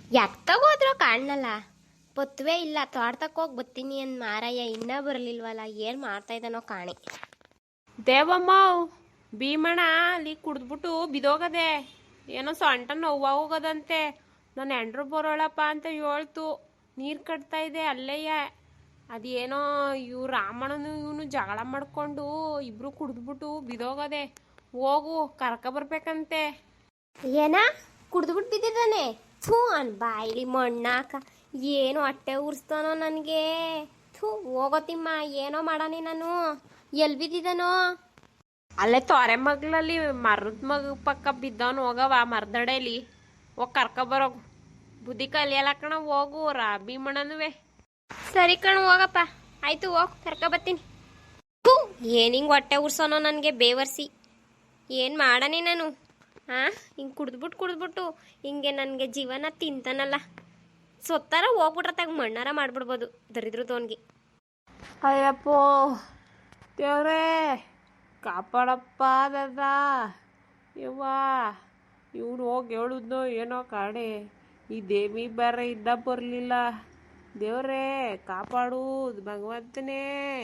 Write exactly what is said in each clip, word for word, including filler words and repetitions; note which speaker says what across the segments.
Speaker 1: ಯಾಕೆ ತಗೋದ್ರು ಕಾಣಲ್ಲ. ಬತ್ತುವೆ ಇಲ್ಲ, ತೋಟಕ್ಕೆ ಹೋಗಿ ಬತ್ತೀನಿ ಅಂದ್ ಮಾರಯ್ಯ ಇನ್ನೂ ಬರಲಿಲ್ವಲ್ಲ. ಏನು ಮಾಡ್ತಾ ಇದ್ದಾನೋ ಕಾಣಿ.
Speaker 2: ದೇವಮ್ಮ ಭೀಮಣ್ಣ ಅಲ್ಲಿ ಕುಡಿದ್ಬಿಟ್ಟು ಬಿದೋಗದೆ, ಏನೋ ಸೊಂಟ ನೋವು ಹೋಗೋದಂತೆ. ನಾನು ಎಂಡ್ರು ಬರೋಳಪ್ಪ ಅಂತ ಹೇಳ್ತು. ನೀರು ಕಟ್ತಾ ಇದೆ ಅಲ್ಲೇಯ. ಅದೇನೋ ಇವ್ ರಾಮಣ್ಣನು ಇವನು ಜಗಳ ಮಾಡ್ಕೊಂಡು ಇಬ್ರು ಕುಡಿದ್ಬಿಟ್ಟು ಬಿದೋಗದೆ. ಹೋಗು ಕರ್ಕ ಬರ್ಬೇಕಂತೆ.
Speaker 1: ಏನ ಕುಡ್ದುಬಿಟ್ಟು ಬಿದ್ದಿದ್ದಾನೆ? ಥೂ ಅನ್ ಬಾಯಿಲಿ ಮಣ್ಣಾಕ. ಏನು ಹೊಟ್ಟೆ ಉರ್ಸ್ತಾನೋ ನನಗೆ. ಥೂ ಹೋಗೋತಿಮ್ಮ, ಏನೋ ಮಾಡಾನಿ ನಾನು. ಎಲ್ಲಿ ಬಿದ್ದಿದ್ದಾನೋ?
Speaker 2: ಅಲ್ಲೇ ತೊರೆ ಮಗ್ಲಲ್ಲಿ ಮರದ ಮಗ ಪಕ್ಕ ಬಿದ್ದವನು. ಹೋಗವ ಮರದಡೆಯಲ್ಲಿ ಹೋಗಿ ಕರ್ಕ ಬರೋಗು. ಬುದ್ಧಿ ಕಲಿಯಲ್ಲ ಕಣ, ಹೋಗು ರಾ ಭೀಮಣ್ಣನುವೆ.
Speaker 1: ಸರಿ ಕಣು ಹೋಗಪ್ಪ, ಆಯ್ತು ಹೋಗ್ ಕರ್ಕ ಬರ್ತೀನಿ. ಥೂ ಏನು ಹಿಂಗೆ ಹೊಟ್ಟೆ ಉರ್ಸೋನೋ ನನಗೆ ಬೇವರ್ಸಿ. ಏನು ಮಾಡಾನಿ ನಾನು? ಹಾಂ ಹಿಂಗೆ ಕುಡ್ದ್ಬಿಟ್ಟು ಕುಡ್ದ್ಬಿಟ್ಟು ಹಿಂಗೆ ನನಗೆ ಜೀವನ ತಿಂತಾನಲ್ಲ. ಸೊತ್ತಾರ ಹೋಗ್ಬಿಟ್ರೆ ತಗ ಮಣ್ಣಾರ ಮಾಡ್ಬಿಡ್ಬೋದು ದರಿದ್ರದವನಿಗೆ.
Speaker 2: ಅಯ್ಯಪ್ಪೋ ದೇವ್ರೇ ಕಾಪಾಡಪ್ಪ ದದ. ಯವ್ವ ಇವನು ಹೋಗಿ ಹೇಳುದ್ನೋ ಏನೋ ಕಾಣೆ. ಈ ದೇವಿ ಬೇರೆ ಇದ್ದ ಬರಲಿಲ್ಲ. ದೇವ್ರೇ ಕಾಪಾಡು ಭಗವಂತನೇ.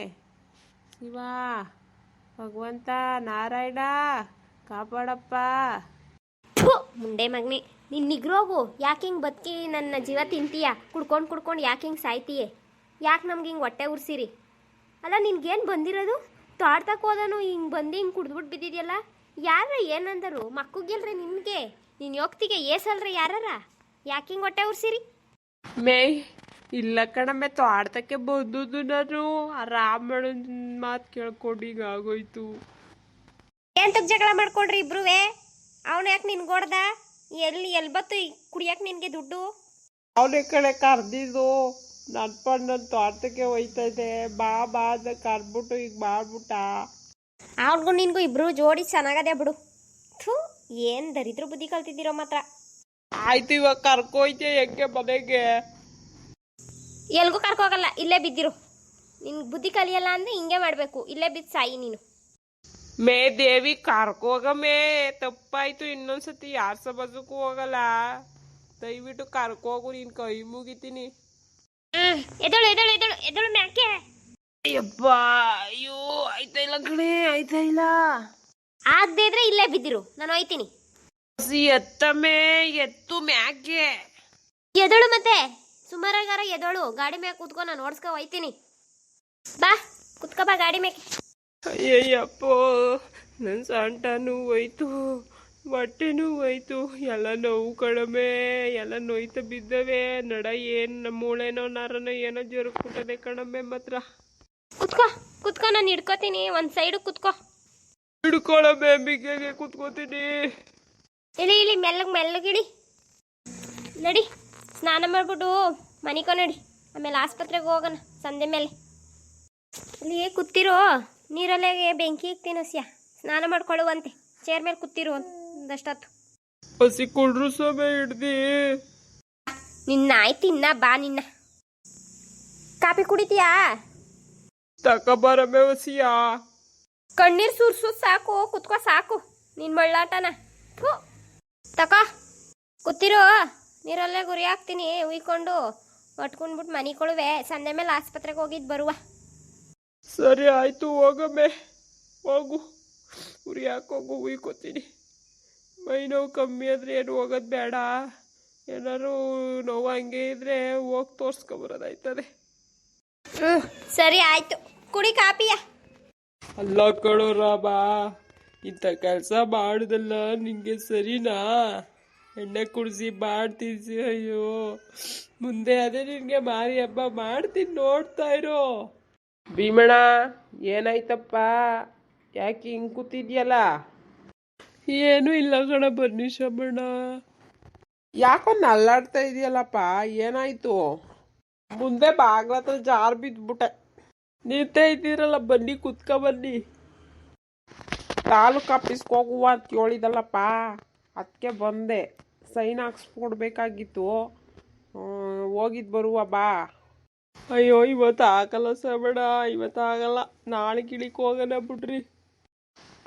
Speaker 2: ಶಿವ ಭಗವಂತ ನಾರಾಯಣ ಕಾಪಾಡಪ್ಪ.
Speaker 1: ಥೂ ಮುಂಡೆ ಮಗನಿ, ನೀನು ನಿಗ್ರೋಗು. ಯಾಕೆ ಹಿಂಗೆ ಬದುಕಿ ನನ್ನ ಜೀವ ತಿಂತೀಯ? ಕುಡ್ಕೊಂಡು ಕುಡ್ಕೊಂಡು ಯಾಕೆ ಹಿಂಗೆ ಸಾಯ್ತೀಯೇ? ಯಾಕೆ ನಮ್ಗೆ ಹಿಂಗೆ ಹೊಟ್ಟೆ ಉರ್ಸಿರಿ? ಅಲ್ಲ ನಿನ್ಗೇನು ಬಂದಿರೋದು? ತೋಟಕ್ಕೆ ಹೋದನು ಹಿಂಗೆ ಬಂದು ಹಿಂಗೆ ಕುಡ್ದ್ಬಿಟ್ಟು ಬಿದ್ದಿದ್ಯಲ್ಲ. ಯಾರ ಏನಂದರು? ಮಕ್ಕಗಿಲ್ರಿ ನಿನಗೆ? ನೀನು ಯೋಗ್ತಿಗೆ ಏಸಲ್ರಿ ಯಾರಾರ? ಯಾಕೆ ಹಿಂಗೆ ಹೊಟ್ಟೆ ಉರ್ಸಿರಿ?
Speaker 2: ಮೇ ಇಲ್ಲ ಕಣಮ್ಮೆ, ತೋಟಕ್ಕೆ ಬಂದದ್ದು ನಾನು. ಆ ರಾಮಣ್ಣನ ಮಾತು ಕೇಳ್ಕೊಂಡು ಈಗ ಆಗೋಯ್ತು.
Speaker 1: ಎಂತಕ್ಕೆ ಜಗಳ ಮಾಡ್ಕೊಂಡ್ರಿ ಇಬ್ರುವೆ? ಅವನು ಯಾಕೆ ನಿನ್ಗೊಡ್ದ? ಎಲ್ಲಿ ಎಲ್ಲಿ ಬತ್ತು ಕುಡಿಯಕ್ಕೆ ನಿನಗೆ ದುಡ್ಡು?
Speaker 2: ಅವನೇ ಕಡೆ ಕರ್ದಿದ್ದು. ನನ್ನ ಪಂಡ್ ನನ್ನ ತೋಟಕ್ಕೆ ಹೋಯ್ತಾ ಇದೆ, ಬಾ ಬಾ ಅಂತ ಕರ್ಬಿಟ್ಟು ಈಗ ಮಾಡ್ಬಿಟ್ಟ.
Speaker 1: ಅವ್ರಿಗೂ ನಿನ್ಗೂ ಇಬ್ರು ಜೋಡಿ ಚೆನ್ನಾಗದೆ ಬಿಡು. ಥೂ ಏನು ದರಿದ್ರ ಬುದ್ಧಿ ಕಲ್ತಿದ್ದೀರೋ ಮಾತ್ರ.
Speaker 2: ಆಯ್ತು ಇವಾಗ ಕರ್ಕೋಯ್ತೆ ಹೆಂಗೆ ಮನೆಗೆ?
Speaker 1: ಎಲ್ಗೂ ಕರ್ಕೋಗಲ್ಲ, ಇಲ್ಲೇ ಬಿದ್ದಿರು. ನಿನ್ಗೆ ಬುದ್ಧಿ ಕಲಿಯಲ್ಲ ಅಂದರೆ ಹಿಂಗೆ ಮಾಡಬೇಕು, ಇಲ್ಲೇ ಬಿದ್ದು ಸಾಯಿ ನೀನು.
Speaker 2: ಮೇ ದೇವಿ ಕರ್ಕೋಗಮೇ, ತಪ್ಪಾಯ್ತು. ಇನ್ನೊಂದ್ಸತಿ ಯಾರ ಸಬಜಕ್ಕೂ ಹೋಗಲ್ಲ. ದಯವಿಟ್ಟು ಕರ್ಕೋಗು, ನೀನು ಕೈ ಮುಗಿತೀನಿ.
Speaker 1: ಎದಳು ಎದಳು ಎದಳು ಎದಳು ಮ್ಯಾಕೆ.
Speaker 2: ಅಯ್ಯಪ್ಪ ಅಯ್ಯೋ ಆಯ್ತಾ ಇಲ್ಲ ಕಣೆ, ಆಯ್ತಾ ಇಲ್ಲ.
Speaker 1: ಆಗದೆ ಇದ್ರೆ ಇಲ್ಲೇ ಬಿದ್ದಿರು, ನಾನು ಹೋಯ್ತೀನಿ.
Speaker 2: ಸಿ ಎತ್ತಮೇ, ಎತ್ತು ಮ್ಯಾಕೆ.
Speaker 1: ಎದಳು ಮತ್ತೆ ಸುಮಾರಾಗಾರ ಎದಳು. ಗಾಡಿ ಮ್ಯಾಕೆ ಕೂತ್ಕೊ, ನಾನು ಓಡಿಸ್ಕೊ ಹೋಯ್ತೀನಿ. ಬಾ ಕುತ್ಕೊ ಬಾ ಗಾಡಿ ಮ್ಯಾಕೆ.
Speaker 2: ಅಯ್ಯಯ್ಯಪ್ಪೋ ನನ್ನ ಸೊಂಟನೂ ಹೋಯ್ತು, ಹೊಟ್ಟೆನೂ ಹೋಯ್ತು, ಎಲ್ಲ ನೋವು ಕಡಿಮೆ, ಎಲ್ಲ ನೋಯ್ತಾ ಬಿದ್ದವೆ. ನಡ ಏನು ನಮ್ಮ ಮೂಳೆನೋ ನರನೋ ಏನೋ ಜರುಗ್ಬಿಟ್ಟದೆ ಕಣಮ್ಮೆ ಮಾತ್ರ.
Speaker 1: ಕುತ್ಕೋ ಕುತ್ಕೋ, ನಾನು ಹಿಡ್ಕೋತೀನಿ. ಒಂದು ಸೈಡು ಕುತ್ಕೋ.
Speaker 2: ಹಿಡ್ಕೊಳಮ್ಮೆ, ಬಿಗ್ಗೆಗೆ ಕುತ್ಕೋತೀನಿ.
Speaker 1: ಇಳಿ ಇಳಿ ಮೆಲ್ಲಗೆ ಮೆಲ್ಲಗಿಳಿ. ನಡಿ ಸ್ನಾನ ಮಾಡ್ಬಿಟ್ಟು ಮನಿಕೋ ನಡಿ, ಆಮೇಲೆ ಆಸ್ಪತ್ರೆಗೆ ಹೋಗೋಣ ಸಂಜೆ ಮೇಲೆ. ಇಲ್ಲಿ ಕೂತಿರೋ, ನೀರಲ್ಲೇ ಬೆಂಕಿ ಇಕ್ತೀನಿ ಹಸಿಯ. ಸ್ನಾನ ಮಾಡ್ಕೊಳ್ಳುವಂತೆ ಚೇರ್ ಮೇಲೆ ಕೂತಿರು ಒಂದಷ್ಟೊತ್ತು.
Speaker 2: ಹಸಿ ಕುಡ್ರು ಸಮಯ ಹಿಡ್ದಿ.
Speaker 1: ನಿನ್ನ ಆಯ್ತು ಇನ್ನ ಬಾ. ನಿನ್ನ ಕಾಪಿ ಕುಡಿತೀಯಾ?
Speaker 2: ತಕಬರಮೆ ಹಸಿಯ.
Speaker 1: ಕಣ್ಣೀರು ಸುರ್ಸು ಸಾಕು, ಕುತ್ಕೋ ಸಾಕು ನಿನ್ನ ಮಳ್ಳಾಟನ. ಥೂ ತಕೋ ಕೂತಿರು, ನೀರಲ್ಲೇ ಗುರಿ ಹಾಕ್ತೀನಿ ಉಯ್ಕೊಂಡು ಒಟ್ಕೊಂಡ್ಬಿಟ್ಟು ಮನೆ ಕೊಳುವೆ. ಸಂಜೆ ಮೇಲೆ ಆಸ್ಪತ್ರೆಗೆ ಹೋಗಿದ್ದು ಬರುವ.
Speaker 2: ಸರಿ ಆಯ್ತು ಹೋಗಮ್ಮೆ, ಹೋಗು. ಉರಿ ಹಾಕೋಗು, ಉಯ್ಕೋತೀನಿ. ಮೈ ನೋವು ಕಮ್ಮಿ ಆದರೆ ಏನು ಹೋಗೋದು ಬೇಡ. ಏನಾದ್ರು ನೋವು ಹಂಗೆ ಇದ್ರೆ ಹೋಗಿ ತೋರಿಸ್ಕೊಬರೋದಾಯ್ತದೆ.
Speaker 1: ಹ್ಞೂ ಸರಿ ಆಯ್ತು, ಕುಡಿ ಕಾಪಿಯ.
Speaker 2: ಅಲ್ಲ ಕಣೋ ರಾಮ, ಇಂಥ ಕೆಲಸ ಮಾಡುದಲ್ಲ ನಿಂಗೆ ಸರಿನಾ? ಎಣ್ಣೆ ಕುಡಿಸಿ ಮಾಡ್ತೀಸಿ. ಅಯ್ಯೋ ಮುಂದೆ ಅದೇ ನಿನಗೆ ಮಾರಿ ಹಬ್ಬ ಮಾಡ್ತೀನಿ, ನೋಡ್ತಾ ಇರೋ. ಭೀಮಣ್ಣ ಏನಾಯ್ತಪ್ಪ, ಯಾಕೆ ಹಿಂಗೆ ಕೂತಿದ್ಯಲ್ಲ? ಏನೂ ಇಲ್ಲ ಕಣ ಬನ್ನಿ ಶಮಣ್ಣ. ಯಾಕೊಂದು ಅಲ್ಲಾಡ್ತಾ ಇದೆಯಲ್ಲಪ್ಪ, ಏನಾಯ್ತು? ಮುಂದೆ ಬಾಗ್ಲತ್ರ ಜಾರ್ ಬಿದ್ಬಿಟ್ಟೆ. ನಿಂತೇ ಇದ್ದೀರಲ್ಲ, ಬನ್ನಿ ಕುತ್ಕ ಬನ್ನಿ. ತಾಲೂಕು ಆಫೀಸ್ಗೆ ಹೋಗುವ ಅಂತ ಹೇಳಿದಲ್ಲಪ್ಪ, ಅದಕ್ಕೆ ಬಂದೆ. ಸೈನ್ ಹಾಕ್ಸ್ಕೊಡ್ಬೇಕಾಗಿತ್ತು, ಹೋಗಿದ್ದು ಬರುವ ಬಾ. ಅಯ್ಯೋ ಇವತ್ತು ಆಗಲ್ಲ ಸಬೇಡ, ಇವತ್ತು ಆಗಲ್ಲ, ನಾಳೆ ಗಿಳಿಕ್ ಹೋಗೋಣ ಬಿಡ್ರಿ.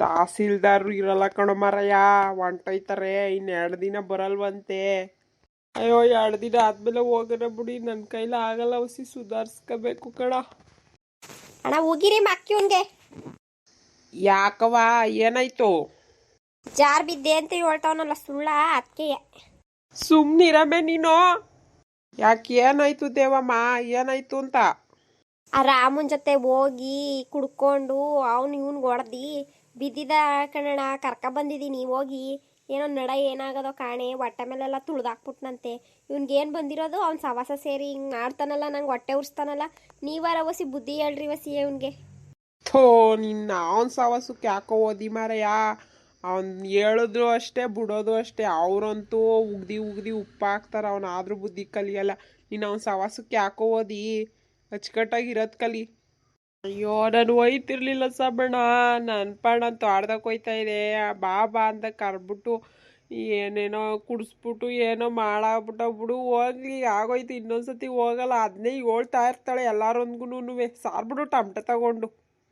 Speaker 2: ತಹಸೀಲ್ದಾರರು ಇರಲ್ಲ ಕಣೋ ಮಾರಯ್ಯ, ಹೊಂಟೋಯ್ತಾರೆ. ಇನ್ನೆರಡು ದಿನ ಬರಲ್ವಂತೆ. ಅಯ್ಯೋ ಎರಡು ದಿನ ಆದ್ಮೇಲೆ ಹೋಗೋಣ ಬಿಡಿ, ನನ್ನ ಕೈಲಿ ಆಗಲ್ಲ ಹೊಸಿ ಸುಧಾರಿಸ್ಕೋಬೇಕು ಕಣ.
Speaker 1: ಅಣ್ಣ ಹೋಗಿರಿ ಮಕ್ಕಿವನ್ಗೆ.
Speaker 2: ಯಾಕವ ಏನಾಯ್ತು?
Speaker 1: ಜಾರ್ ಬಿದ್ದೆ ಅಂತ ಹೇಳ್ತಾವನಲ್ಲ ಸುಳ್ಳ ಅದಕ್ಕೆ.
Speaker 2: ಸುಮ್ನಿರಮೆ ನೀನು. ಯಾಕೆ ಏನಾಯ್ತು ದೇವಮ್ಮ, ಏನಾಯ್ತು ಅಂತ?
Speaker 1: ಆ ರಾಮನ್ ಜೊತೆ ಹೋಗಿ ಕುಡ್ಕೊಂಡು ಅವ್ನು ಇವ್ನ್ ಹೊಡ್ದಿ ಬಿದ್ದಿದ ಕಣಣ, ಕರ್ಕ ಬಂದಿದ್ದೀನಿ ಹೋಗಿ. ಏನೋ ನಡ ಏನಾಗದೋ ಕಾಣೆ, ಹೊಟ್ಟೆ ಮೇಲೆಲ್ಲ ತುಳ್ದಾಕ್ಬಿಟ್ನಂತೆ. ಇವ್ನಿಗೇನು ಬಂದಿರೋದು? ಅವ್ನು ಸವಾಸ ಸೇರಿ ಹಿಂಗೆ ಮಾಡ್ತಾನಲ್ಲ, ನಂಗೆ ಹೊಟ್ಟೆ ಉರ್ಸ್ತಾನಲ್ಲ. ನೀವಾರ ವಸಿ ಬುದ್ಧಿ ಹೇಳ್ರಿ ವಸಿ ಇವನ್ಗೆ.
Speaker 2: ಥೋ ನಿನ್ನ ಅವನ ಸವಾಸಕ್ಕೆ ಯಾಕೋ ಓದಿ ಮಾರಯ್ಯ. ಅವನ್ ಹೇಳಿದ್ರು ಅಷ್ಟೇ ಬಿಡೋದು ಅಷ್ಟೇ. ಅವ್ರಂತೂ ಉಗ್ದಿ ಉಗ್ದಿ ಉಪ್ಪು ಹಾಕ್ತಾರ, ಅವನ ಆದ್ರೂ ಬುದ್ಧಿ ಕಲಿಯಲ್ಲ. ನೀನು ಅವನ ಸವಾಸಕ್ಕೆ ಯಾಕೋ ಓದಿ ಅಚ್ಚುಕಟ್ಟಾಗಿರೋದು ಕಲಿ. ಅಯ್ಯೋ ನಾನು ಒಯ್ತಿರ್ಲಿಲ್ಲ ಸಬಣ್ಣ, ನನ್ನ ಪಾಡ ಅಂತ ಆಡ್ದಕ್ಕೆ ಹೋಯ್ತಾ ಇದೆ. ಬಾ ಬಾ ಅಂತ ಕರ್ಬಿಟ್ಟು ಏನೇನೋ ಕುಡಿಸ್ಬಿಟ್ಟು ಏನೋ ಮಾಡಾಕ್ಬಿಟ್ಟ ಬಿಡು. ಹೋಗ್ಲಿ ಆಗೋಯ್ತು, ಇನ್ನೊಂದ್ಸತಿ ಹೋಗಲ್ಲ. ಅದನ್ನೇ ಹೇಳ್ತಾ ಇರ್ತಾಳೆ ಎಲ್ಲಾರೊಂದ್ಗೂ. ಸಾರ್ಬಿಡು ಟಮಟೆ ತಗೊಂಡು.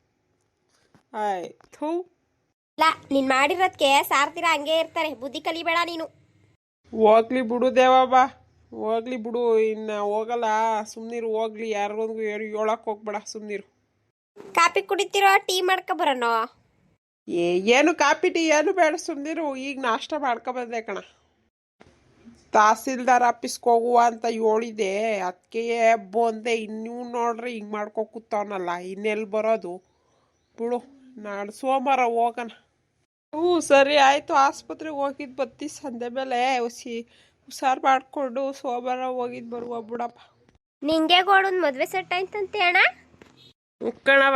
Speaker 2: ಆಯ್ತು
Speaker 1: ಇಲ್ಲ, ನೀನು ಮಾಡಿರೋದಕ್ಕೆ ಸಾರ್ತೀರ ಹಂಗೆ ಇರ್ತಾರೆ. ಬುದ್ಧಿ ಕಲಿಬೇಡ ನೀನು.
Speaker 2: ಹೋಗ್ಲಿ ಬಿಡು ದೇವಬ್ಬ, ಹೋಗ್ಲಿ ಬಿಡು. ಇನ್ನು ಹೋಗಲ್ಲ, ಸುಮ್ನಿರು. ಹೋಗ್ಲಿ, ಯಾರಿಗೊಂದು ಹೇಳಕ್ ಹೋಗ್ಬೇಡ, ಸುಮ್ನಿರು.
Speaker 1: ಕಾಪಿ ಕುಡಿತಿರೋ ಟೀ ಮಾಡ್ಕೊ ಬರೋಣ?
Speaker 2: ಏ ಏನು ಕಾಪಿ ಟೀ ಏನು ಬೇಡ, ಸುಮ್ನಿರು. ಈಗ ನಾಷ್ಟ ಮಾಡ್ಕೊ ಬಂದೆ ಕಣ. ತಹಸೀಲ್ದಾರ್ ಆಫೀಸ್ಗೆ ಹೋಗುವ ಅಂತ ಹೇಳಿದೆ, ಅದಕ್ಕೆ ಬಂದೆ. ಇನ್ನೂ ನೋಡ್ರಿ ಹಿಂಗೆ ಮಾಡ್ಕೊ ಕೂತವನಲ್ಲ, ಇನ್ನೆಲ್ಲಿ ಬರೋದು ಬಿಡು. ನಾಡು ಸೋಮವಾರ ಹೋಗೋಣ. ಹ್ಞೂ ಸರಿ ಆಯಿತು. ಆಸ್ಪತ್ರೆಗೆ ಹೋಗಿದ್ದು ಬತ್ತಿ ಸಂಜೆ ಮೇಲೆ ಹುಸಿ ಹುಷಾರು ಮಾಡಿಕೊಂಡು ಸೋಮವಾರ ಹೋಗಿದ್ದು ಬರುವ ಬಿಡಪ್ಪ.
Speaker 1: ನಿಂಗೆ ಗೋಡೊಂದು ಮದುವೆ ಸೆಟ್ ಆಯ್ತಂತೆ ಅಣ್ಣ.
Speaker 2: ಉಕ್ಕಣವ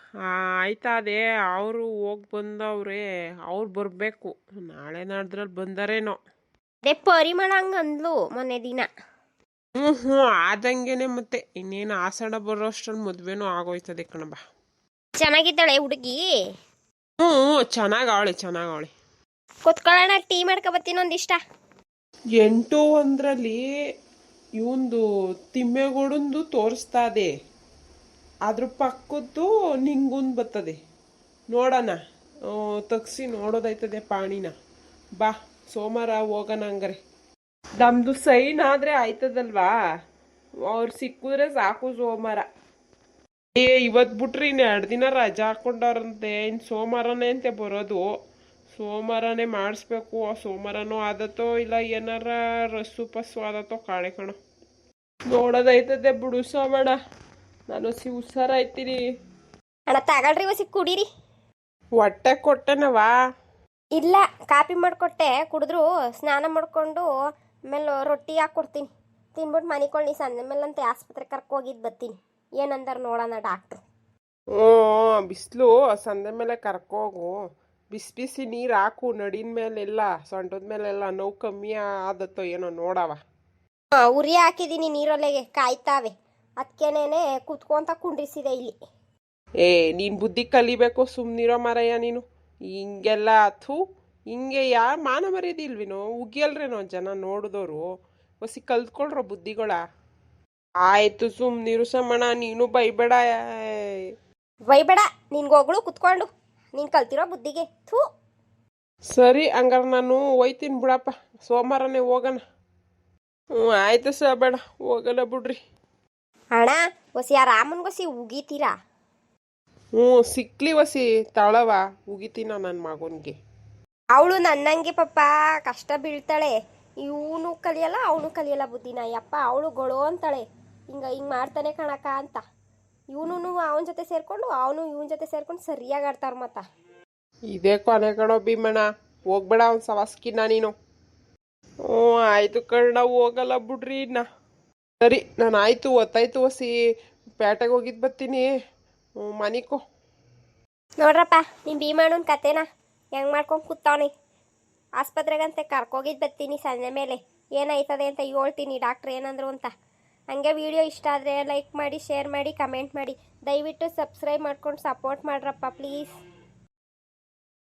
Speaker 2: ಆಯ್ತದೆ. ಅವರು ಹೋಗಿ ಬಂದವ್ರೆ, ಅವ್ರು ಬರಬೇಕು. ನಾಳೆ ನಾಡ್ದ್ರಲ್ಲಿ ಬಂದರೇನೋ.
Speaker 1: ಅದೇ ಪರಿಮಳ ಹಂಗೆ ಅಂದ್ಲು ಮೊನ್ನೆ ದಿನ.
Speaker 2: ಹ್ಞೂ ಹ್ಞೂ ಆದಂಗೆನೆ. ಮತ್ತೆ ಇನ್ನೇನು ಆಸಡ ಬರೋ ಅಷ್ಟ್ರಲ್ಲಿ ಮದುವೆನೂ ಆಗೋಯ್ತದೆ ಕಣಬ.
Speaker 1: ಚೆನ್ನಾಗಿದ್ದಾಳೆ ಹುಡುಗಿ?
Speaker 2: ಹ್ಞೂ ಚೆನ್ನಾಗವಳೆ ಚೆನ್ನಾಗವಳೆ.
Speaker 1: ಕುತ್ಕೊಳ್ಳೋಣ, ಟೀ ಮಾಡ್ಕೊ ಬರ್ತೀನಿ ಒಂದಿಷ್ಟ.
Speaker 2: ಎಂಟು ಒಂದರಲ್ಲಿ ಇವಂದು ತಿಮ್ಮೆಗೌಡಂದು ತೋರಿಸ್ತಾ ಇದೆ, ಅದ್ರ ಪಕ್ಕದ್ದು ನಿಂಗೊಂದು ಬರ್ತದೆ. ನೋಡೋಣ, ತಗ್ಸಿ ನೋಡೋದೈತದೆ ಪಾಣಿನ. ಬಾ ಸೋಮವಾರ ಹೋಗೋಣ ಹಂಗಾರೆ. ನಮ್ದು ಸೈನ್ ಆದರೆ ಆಯ್ತದಲ್ವಾ, ಅವ್ರು ಸಿಕ್ಕಿದ್ರೆ ಸಾಕು ಸೋಮವಾರ. ಏ ಇವತ್ತು ಬಿಟ್ರಿ ಇನ್ನು ಎರಡು ದಿನ ರಜಾ ಹಾಕೊಂಡವ್ರಂತೆ. ಇನ್ನು ಸೋಮವಾರನೇ ಅಂತೆ ಬರೋದು. ಸೋಮವಾರನೇ ಮಾಡಿಸ್ಬೇಕು. ಸೋಮವಾರನೂ ಆದತ್ತೋ ಇಲ್ಲ ಏನಾರ ರಸ್ಸು ಪಸ್ಸು ಆದತ್ತೋ ಕಾಣೆ ಕಣೋ. ನೋಡೋದೈತದೆ ಬಿಡು ಸೋಮಣ್ಣ. ನಾನು ಸಿ ಹುಷಾರಾಯ್ತೀನಿ.
Speaker 1: ಅಣ್ಣ ತಗೊಳ್ರಿ ವಸಿ ಕುಡೀರಿ.
Speaker 2: ಹೊಟ್ಟೆ ಕೊಟ್ಟೆನವಾ?
Speaker 1: ಇಲ್ಲ, ಕಾಪಿ ಮಾಡಿಕೊಟ್ಟೆ, ಕುಡಿದ್ರು. ಸ್ನಾನ ಮಾಡಿಕೊಂಡು ಆಮೇಲೆ ರೊಟ್ಟಿ ಹಾಕ್ಕೊಡ್ತೀನಿ, ತಿನ್ಬಿಟ್ಟು ಮನಿಕೊಳ್ಳಿ. ಸಂಜೆ ಮೇಲಂತೆ ಆಸ್ಪತ್ರೆ ಕರ್ಕೋಗಿದ್ದು ಬರ್ತೀನಿ. ಏನಂದಾರ ನೋಡೋಣ ಡಾಕ್ಟ್ರು.
Speaker 2: ಹ್ಞೂ ಬಿಸಿಲು ಸಂಜೆ ಮೇಲೆ ಕರ್ಕೋಗು. ಬಿಸಿ ಬಿಸಿ ನೀರು ಹಾಕು ನಡಿನ ಮೇಲೆಲ್ಲ, ಸೊಂಟದ ಮೇಲೆಲ್ಲ. ನೋವು ಕಮ್ಮಿ ಆದತ್ತೋ ಏನೋ ನೋಡವ.
Speaker 1: ಹಾಂ, ಉರಿ ಹಾಕಿದ್ದೀನಿ ನೀರೊಲೆಗೆ, ಕಾಯ್ತಾವೆ. ಅದಕ್ಕೇನೇನೆ ಕುತ್ಕೊಂತ ಕುಂಡ್ರಿಸಿದೆ ಇಲ್ಲಿ.
Speaker 2: ಏ ನೀನು ಬುದ್ಧಿ ಕಲಿಬೇಕು, ಸುಮ್ಮನಿರೋ ಮಾರಯ್ಯ ನೀನು. ಹಿಂಗೆಲ್ಲ ಥೂ, ಹಿಂಗೆ ಯಾರು ಮಾನ ಮರ್ಯಾದಿಲ್ವಿನೋ? ಉಗಿಯಲ್ರೇನೋ ಜನ ನೋಡಿದವರು. ಹೊಸಿ ಕಲ್ತ್ಕೊಳ್ರೋ ಬುದ್ಧಿಗಳ. ಆಯ್ತು ಸುಮ್ಮನಿರು ಸಮಣ, ನೀನು ಬೈಬೇಡ.
Speaker 1: ಬೈಬೇಡ, ನಿನ್ಗೋಗಳು ಕುತ್ಕೊಂಡು ನೀನು ಕಲ್ತಿರೋ ಬುದ್ಧಿಗೆ. ಥೂ.
Speaker 2: ಸರಿ ಹಂಗಾರೆ ನಾನು ಹೋಯ್ತೀನಿ ಬಿಡಪ್ಪ, ಸೋಮವಾರನೇ ಹೋಗೋಣ. ಹ್ಞೂ ಆಯ್ತು ಸ ಬೇಡ, ಹೋಗೋಣ ಬಿಡ್ರಿ.
Speaker 1: ಅಣ್ಣ ಹೊಸಿ ಆ ರಾಮನ್ಗೊಸಿ ಉಗಿತೀರಾ?
Speaker 2: ಹ್ಞೂ ಸಿಕ್ಲಿ ಹೊಸಿ ತಳವ, ಉಗಿತೀನ ನನ್ನ ಮಗನಿಗೆ.
Speaker 1: ಅವಳು ನನ್ನಂಗೆ ಪಾಪ ಕಷ್ಟ ಬೀಳ್ತಾಳೆ. ಇವನು ಕಲಿಯಲ್ಲ, ಅವನು ಕಲಿಯಲ್ಲ ಬುದ್ಧಿನ. ಯಪ್ಪ ಅವಳು ಗೊಳೋ ಅಂತಾಳೆ, ಹಿಂಗೆ ಹಿಂಗೆ ಮಾಡ್ತಾನೆ ಕಣಕ ಅಂತ. ಇವನು ಅವನ ಜೊತೆ ಸೇರಿಕೊಂಡು ಅವನು ಇವನ ಜೊತೆ ಸೇರ್ಕೊಂಡು ಸರಿಯಾಗಿ ಆಡ್ತಾರ ಮತ್ತ.
Speaker 2: ಇದೇ ಕೊನೆ ಕಣೋ ಭೀಮಣ್ಣ, ಹೋಗ್ಬೇಡ ಅವ್ನ ಸವಾಸ್ಕಿನ್ನ ನೀನು. ಹ್ಞೂ ಆಯಿತು ಕಣ್ಣ, ಹೋಗಲ್ಲ ಬಿಡ್ರಿ ಇನ್ನ. ಸರಿ ನಾನು ಆಯಿತು, ಒತ್ತಾಯ್ತು ಹೊಸಿ ಪೇಟೆಗೆ ಹೋಗಿದ್ದು ಬರ್ತೀನಿ. ಹ್ಞೂ ಮನಿಕೋ.
Speaker 1: ನೋಡ್ರಪ್ಪ ನಿಮ್ಮ ಭೀಮಣ್ಣನ ಕತೆನ ಹೆಂಗೆ ಮಾಡ್ಕೊಂಡು ಕೂತವನೆ. ಆಸ್ಪತ್ರೆಗಂತೆ ಕರ್ಕೋಗಿದ್ದು ಬರ್ತೀನಿ ಸಂಜೆ ಮೇಲೆ. ಏನಾಯ್ತದೆ ಅಂತ ಹೇಳ್ತೀನಿ ಡಾಕ್ಟ್ರ್ ಏನಂದ್ರು ಅಂತ. ಹಂಗೆ ವಿಡಿಯೋ ಇಷ್ಟ ಆದರೆ ಲೈಕ್ ಮಾಡಿ, ಶೇರ್ ಮಾಡಿ, ಕಮೆಂಟ್ ಮಾಡಿ. ದಯವಿಟ್ಟು ಸಬ್ಸ್ಕ್ರೈಬ್ ಮಾಡ್ಕೊಂಡು ಸಪೋರ್ಟ್ ಮಾಡ್ರಪ್ಪ ಪ್ಲೀಸ್.